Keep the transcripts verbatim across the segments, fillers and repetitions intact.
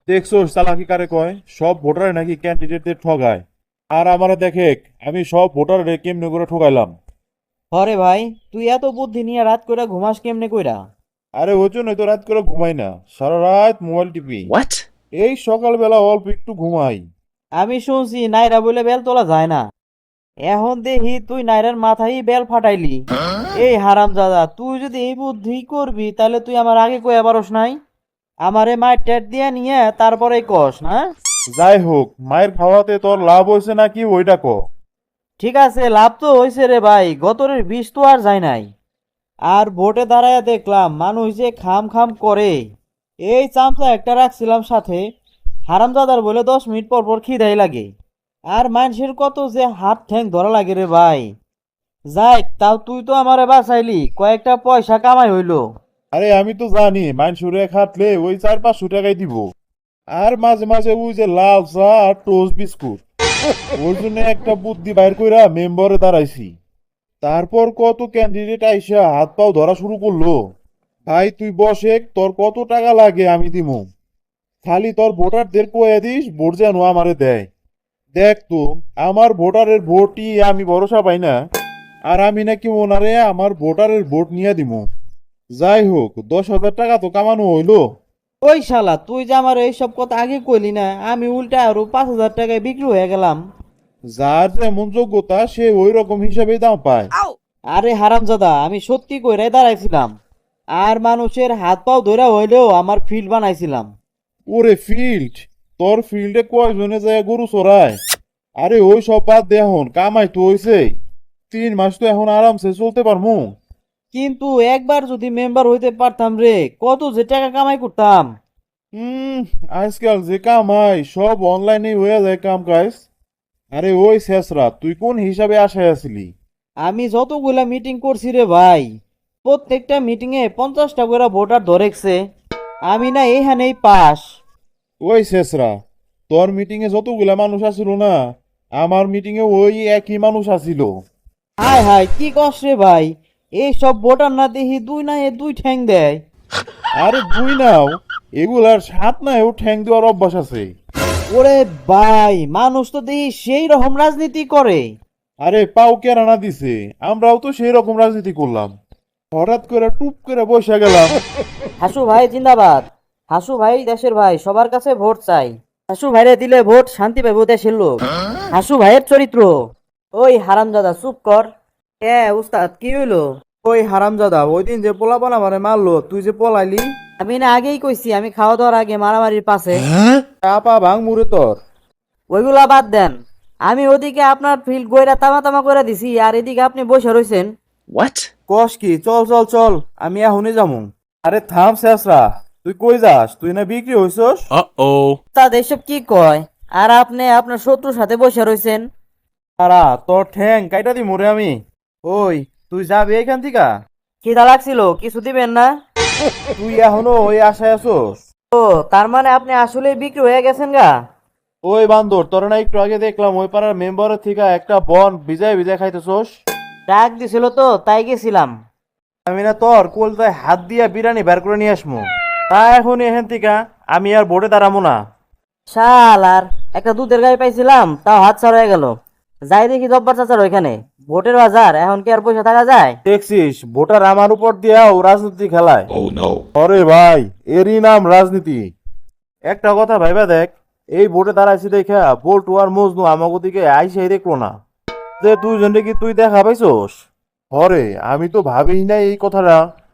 দেখছো চালাকি কারে কয়, সব ভোটারে নাকি ক্যান্ডিডেটদের ঠগায়। আর আমারে দেখে, আমি সব ভোটারে কেমনে করে ঠগাইলাম। হরে ভাই, তুই এত বুদ্ধি নিয়ে রাত কইরা ঘুমাস কেমনে কইরা? আরে ওই জন্যই তো রাত করে ঘুমাই না, সারা রাত মোবাইল টিপি। What? এই সকালবেলা অল্প একটু ঘুমাই। আমি শুনছি নাইরা বলে বেল তোলা যায় না। এখন দেখি তুই নাইরার মাথায় বেল ফাটাইলি। এই হারাম দাদা, তুই যদি এই বুদ্ধি করবি তাহলে তুই আমার আগে কইয়া পারস নাই? আমারে মায়ের টেট দিয়ে নিয়ে তারপরে কস না? যাই হোক, মায়ের খাওয়াতে তোর লাভ হয়েছে নাকি ওইটা ক। ঠিক আছে, লাভ তো হয়েছে রে ভাই, গতরের বিষ তো আর যায় নাই। আর ভোটে দাঁড়ায় দেখলাম মানুষ যে খাম খাম করে। এই চামচা একটা রাখছিলাম সাথে, হারামজাদার বলে দশ মিনিট পর পর খিদাই লাগে। আর মানুষের কত যে হাত ঠ্যাং ধরা লাগে রে ভাই। যাই, তাও তুই তো আমারে বাঁচাইলি, কয়েকটা পয়সা কামাই হইলো। আরে আমি তো জানি মাইনসুরে খাটলে ওই চার পাঁচশো টাকাই দিব। আর মাঝে মাঝে ওই যে লাল চা আর টোস্ট বিস্কুট, ওই জন্য একটা বুদ্ধি বাইর কইরা মেম্বারে দাঁড়াইছি। তারপর কত ক্যান্ডিডেট আইসা হাত পাও ধরা শুরু করলো। ভাই তুই বসে, তোর কত টাকা লাগে আমি দিমু। খালি তোর ভোটারদের কয়ে দিস ভোট যেন আমারে দেয়। দেখ তো, আমার ভোটারের ভোটই আমি ভরসা পাই না। আর আমি নাকি ওনারে আমার ভোটারের ভোট নিয়ে দিমু। যাই হোক, দশ হাজার টাকা তো কামানো হইলো। ওই শালা, তুই যে আমার এইসব কথা আগে কইলি না, আমি উল্টা আরো পাঁচ হাজার টাকায় বিক্রি হয়ে গেলাম। যার যেমন যোগ্যতা সে ওই রকম হিসাবেই দাম পায়। আরে হারামজাদা, আমি সত্যি কইরাই দাঁড়াইছিলাম। আর মানুষের হাত পাও ধরা হইলেও আমার ফিল্ড বানাইছিলাম। ওরে ফিল্ড, তোর ফিল্ডে কয়জনে যায় গরু চড়ায়? আরে ওই সব বাদ দে, এখন কামাই তো হইছে। তিন মাস তো এখন আরামসে চলতে পারমু। কিন্তু একবার যদি মেম্বার হইতে পারতাম রে, কত যে টাকা কামাই করতাম। হুম, আজকাল যে কামাই সব অনলাইনে হয়ে যায় কাম কাজ। আরে ওই শেষরা, তুই কোন হিসাবে আশায় আছিলি? আমি যতগুলা মিটিং করছি রে ভাই, প্রত্যেকটা মিটিং এ পঞ্চাশটা করে ভোটার ধরেছে। আমি না এইখানেই পাস। ওই শেষরা, তোর মিটিং এ যতগুলা মানুষ আসিল না, আমার মিটিং এ ওই একই মানুষ আসিল। হায় হায়, কি কস রে ভাই? এই সব ভোটার না দেখি দুই না এ দুই ঠ্যাং দেয়। আরে দুই নাও, এগুলার সাত নাও ঠ্যাং দেওয়ার অভ্যাস আছে। ওরে ভাই, মানুষ তো দেখি সেই রকম রাজনীতি করে। আরে পাও কেরানা দিছে, আমরাও তো সেই রকম রাজনীতি করলাম। হঠাৎ করে টুপ করে বসে গেলাম। হাসু ভাই জিন্দাবাদ। হাসু ভাই দেশের ভাই, সবার কাছে ভোট চাই। হাসু ভাইরে দিলে ভোট শান্তি পাবো দেশের লোক। হাসু ভাইয়ের চরিত্র। ওই হারামজাদা চুপ কর। এ উস্তাদ, কি হইলো? ওই হারামজাদা ওই দিন যে পোলাপান আমারে মারলো, তুই যে পলাইলি। আমি না আগেই কইছি আমি খাওয়া দাওয়ার আগে মারামারির পাশে। চাপা ভাঙ মুরে তোর। ওইগুলা বাদ দেন। আমি ওদিকে আপনার ফিল্ড গইরা তামা তামা করে দিছি, আর এদিকে আপনি বসে রইছেন। What? কস কি, চল চল চল, আমি এখনই যামু। আরে থাম শেষরা, তুই কই যাস? তুই না বিক্রি হইছস? Uh-oh. তাদ এসব কি কয়? আর আপনি আপনার শত্রুর সাথে বসে রইছেন। তারা তোর ঠ্যাং কাইটা দি মরে আমি। ওই তুই যাবি এখান থেকে? খিদা লাগছিল, কিছু দিবেন না? তুই এখনো ওই আশায় আছোস? ও, তার মানে আপনি আসলে বিক্রি হয়ে গেছেন গা? ওই বান্দর, তোর না একটু আগে দেখলাম ওই পাড়ার মেম্বারের থেকে একটা বন ভিজায় ভিজায় খাইতেছোস। ডাক দিছিল তো, তাই গেছিলাম। আমি না তোর কোলতায় হাত দিয়া বিরানি বের করে নিয়ে আসমু। তা এখন এখান থেকে আমি আর বোর্ডে দাঁড়াবো না। শাল, আর একটা দুধের গাড়ি পাইছিলাম, তাও হাত ছাড় হয়ে গেল। যাই দেখি জব্বার চাচার ওইখানে ভোটের বাজার, এখন কি আর পয়সা থাকা যায়? দেখছিস, ভোটার আমার উপর দিয়াও রাজনীতি খেলায়। Oh no. আরে ভাই, এরই নাম রাজনীতি। একটা কথা ভাইবা দেখ, এই ভোটে দাঁড়াইছি দেখা বল্টু আর মজনু আমাকে দিকে আইসাই দেখলো না। যে দুইজনে কি তুই দেখা পাইছস? হরে, আমি তো ভাবিই নাই এই কথাটা।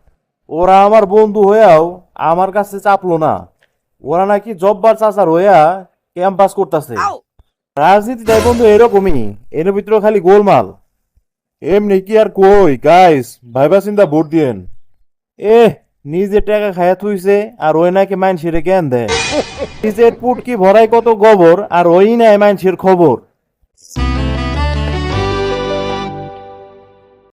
ওরা আমার বন্ধু হইয়াও আমার কাছে চাপলো না। ওরা নাকি জব্বার চাচার হইয়া ক্যাম্পাস করতেছে। রাজনীতিটাই বন্ধু এরকমই, এর ভিতরে খালি গোলমাল। এমনি কি আর কই গাইস, ভাইবা চিন্তা ভোট দিয়েন। এ নিজে টাকা খায়া থুইছে আর ওই নাকি মাইনসের জ্ঞান দেয়। নিজের পুটকি ভরাই কত গোবর আর ওই নাই মাইনসের খবর।